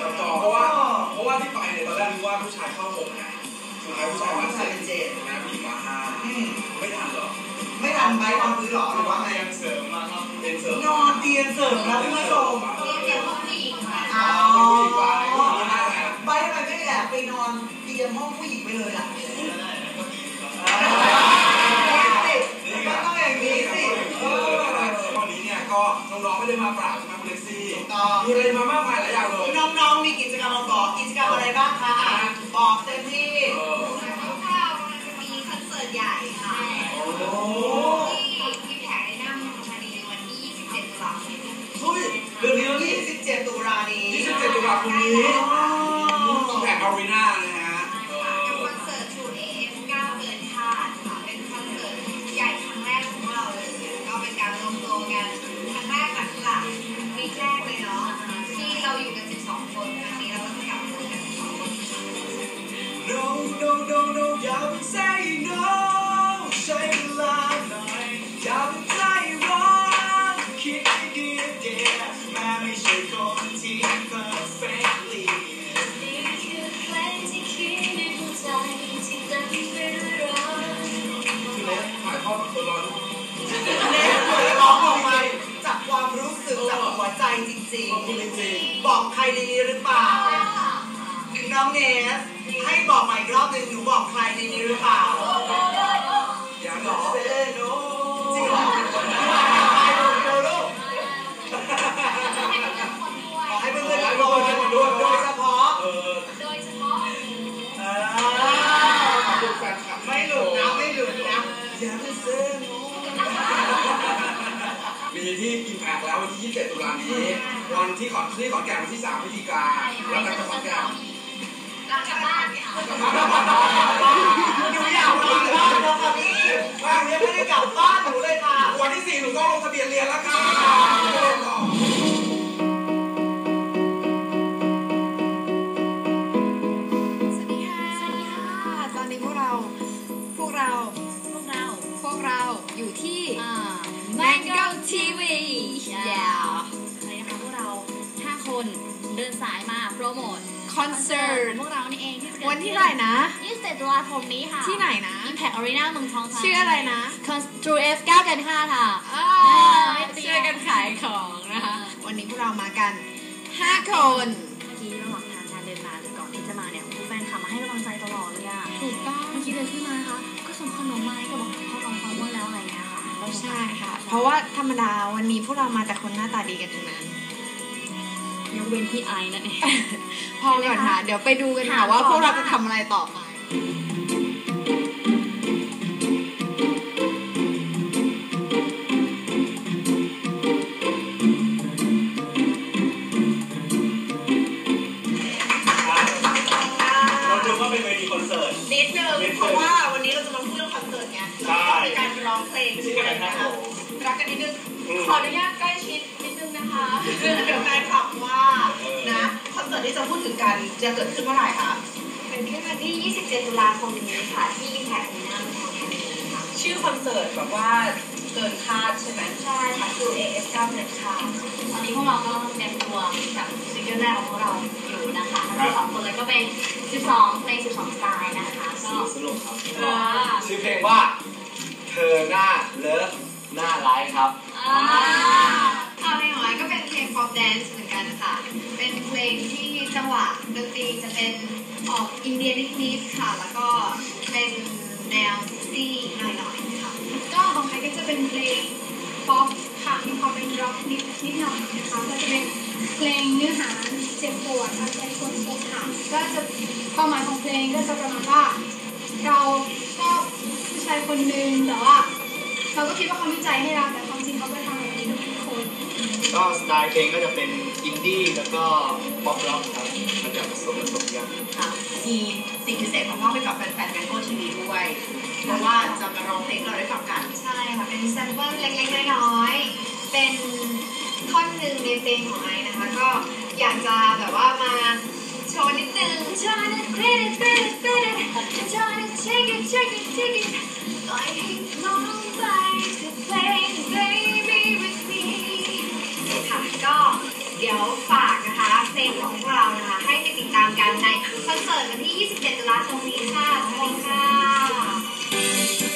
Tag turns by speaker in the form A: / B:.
A: ต่อเพราะว่าที่ไปเนี่ยตอนแรกนึกว่าผู้ชายเข้า6ไงสุดท้ายผู้ชายมา7นะผู้หญิงมา5ไม่ทันหรอ
B: ไม่ทันไปตอนซื้อหรอหรือว่าไง
A: ยังเสริมมาครับเตียงเสริม
B: นอนเตียงเสริมนะคุณผู้ชม
C: เตียงห้องผู้หญิงค่ะ
A: ผู้หญิงไป
B: ไปทำไมไม่แอบไปนอนเตียงห้องผู้หญิงไปเลยล่ะก็ต้องอย่างนี้สิ
A: วันนี้เนี่ยก็น้องๆไม่ได้มาปราบมาคุณเล็กซี่มีอะไรมามากมายหลายอย่างเลย
B: น้องๆมีกิจกรรมมาบอกกิจกรรมอะไรบ้างคะบอกเต็มที่
C: มีคอนเสิร์ตใหญ่ค่ะที่แผงในหน้าเมืองธานีวันที่27 ตุลาคม
A: เดือนนี้แล้วนี่
B: 27 ตุลานี้
A: 27 ตุลาคมนี้แผงอารีนานะฮะ
C: กับคอนเสิร์ต True AF 9 เกินคาดค่ะเป็นคอนเสิร์ตใหญ่ครั้งแรกของเราเลยก็เป็นการรวมตัวกันครั้งแรกหลักวีคแรกเลยเนาะที่เราอยู่กัน12 คนครั้งนี้เราก็จะกลับมากัน12 คน
A: No อย่าไป say no ใช้เวลาหน่อยอย่าไปใจร้อนคิดให้ดีเดียวแม้ไม่ใช่คนที่ perfectly
C: นี่คือเพลงที่คิดในหัวใจที่เต็มไปด้วยรัก
A: คือเล็กถ่ายทอดตัวร้อน
B: เล็กเหมือนร้องออกมาจากความรู้สึกจากหัวใจจริงๆบอกใครในนี้หรือเปล่าน้องเนสให้บอกใหม่อีกรอบหนึ่งหนูบอกใครในนี้หรือเปล่า
A: อย่าหรอ
B: จริงเหรอขอให้เพื่อนๆโดยเฉพาะไม่หลุดนะอย่าไปเซ่
A: มีที่กินแพกแล้ววันที่27 ตุลานี้วันที่ขอนแก่นวันที่3 พฤศจิกายนแล้วก็ขอนแก่น
C: กลับบ้าน
B: หนูอยากกลับบ้านแล้วค่ะพี่ว่ายังไม่ได้กลับบ้านหนูเลยค่ะ
A: วันที่4หนูต้องลงทะเบียนเรียนแล้วค่ะ
D: สวัสดีค่ะตอนนี้พวกเราอยู่ที่ Mango TV
C: นะคะพวกเรา5 คนเดินสายมาโปรโมท
D: คอนเสิร์ต
C: พวกเรานี่เอง
D: วันที่เท่าไหร่นะ
C: 27 ตุลาคมนี้ค่ะ
D: ที่ไหนนะ
C: Impact Arena เมืองทองธานี
D: ชื่ออะไรนะ
C: True AF 9 เกินคาดค่ะ
D: ช่วยกันขายของนะคะวันนี้พวกเรามากัน5 คน
C: เมื่อกี้ระหว่างทางการเดินมาหรือก่อนที่จะมาเนี่ยผู้แฟนคลับมาให้กำลังใจตลอดเลยอ่ะ
D: ถูกต้อง
C: เมื่อกี้เดินขึ้นมานะคะก็ส่งขนมมาให้ก็บอกพ่อลองฟังว่าแล้วอะไรเงี้ยค่ะ
D: ใช่ค่ะเพราะว่าธรรมดาวันนี้พวกเรามาจากคนหน้าตาดีกันทั้งนั้น
C: ยกเว้นพี่ไอนั่นเอง
D: พอก่อนค่ะเดี๋ยวไปดูกันค่ะว่าพวกเราจะทำอะไรต่อไป
A: เราดูว่าเป็นเวทีคอนเสิร์ต
B: นิดนึงเพราะว่าวันนี้เราจะมาพูดเรื่องคอนเสิร์ตไงมีการร้องเพลงด้วยนะคะรักกันนิดนึงขออนุญาตใกล้ชิดนิดนึงนะคะเดี๋ยวแฟนคลับว่านะคอนเสิร์ตที่จะพูดถึงกันจะเกิดขึ้นเมื่อไหร่คะ
C: เป็นขึ้นวันที่27 ตุลาคมนี้ค่ะที่ Impact Arena เมืองทองธานีค่ะ
B: ชื่อคอนเสิร์ตแบบว่าเกินคาดใช่ไหม
C: ใช่ค่ะ True AF 9 เกินคาดตอนนี้พวกเราก็เตรียมตัวกับซิงเกิลแรกของพวกเราอยู่นะคะทั้ง2 คนเลยก็เป็น12 เพลง 12 สไตล์นะคะก็
A: สนุกครับชื่อเพลงว่าเธอหน้าเลิฟหน้าร้ายครับ
C: เพลงของไอ้ก็เป็นเพลง pop dance เหมือนกันค่ะเป็นเพลงที่จังหวะดนตรีจะเป็นออกอินเดียนิดๆค่ะแล้วก็เป็นแนวเซ็กซี่หน่อยๆค่ะ
E: ก็ของไทยก็จะเป็นเพลงป๊อปค่ะมีความเป็นร็อกนิดหน่อยนะคะก็จะเป็นเพลงเนื้อหาเจ็บปวดทำใจคนอกหักก็จะความหมายของเพลงก็จะประมาณว่าเราก็ผู้ชายคนหนึ่งแต่ว่าเราก็คิดว่าเขามีใจให้เราแต่ความจริงเขาก็ทำแบบนี้กับทุกคน
A: ก็สไตล์เพลงก็จะเป็นอินดี้แล้วก็ป๊อปร็อกครับมันจะผสมกัน
B: ค่ะมีสิ่งพิเศษของมอบให้กับแฟนๆMango TVด้วยเพราะว่าจะมาร้องเพลงเราได้ฟังกัน
C: ใช่ค่ะเป็นแซมเปิลเล็กๆน้อยๆเป็นท่อนหนึ่งในเพลงของไอนะคะก็อยากจะแบบว่ามาโชว์นิดนึง Trying to fit it Trying to take it ปล่อยให้มองไปจะเพลง Baby with me ค่ะก็เดี๋ยวฝากนะคะเพลงของพวกเรานะคะให้ไปติดตามกันในคอนเสิร์ตวันที่ 27 ตุลาคมนี้ค่ะสวัสดีค่ะ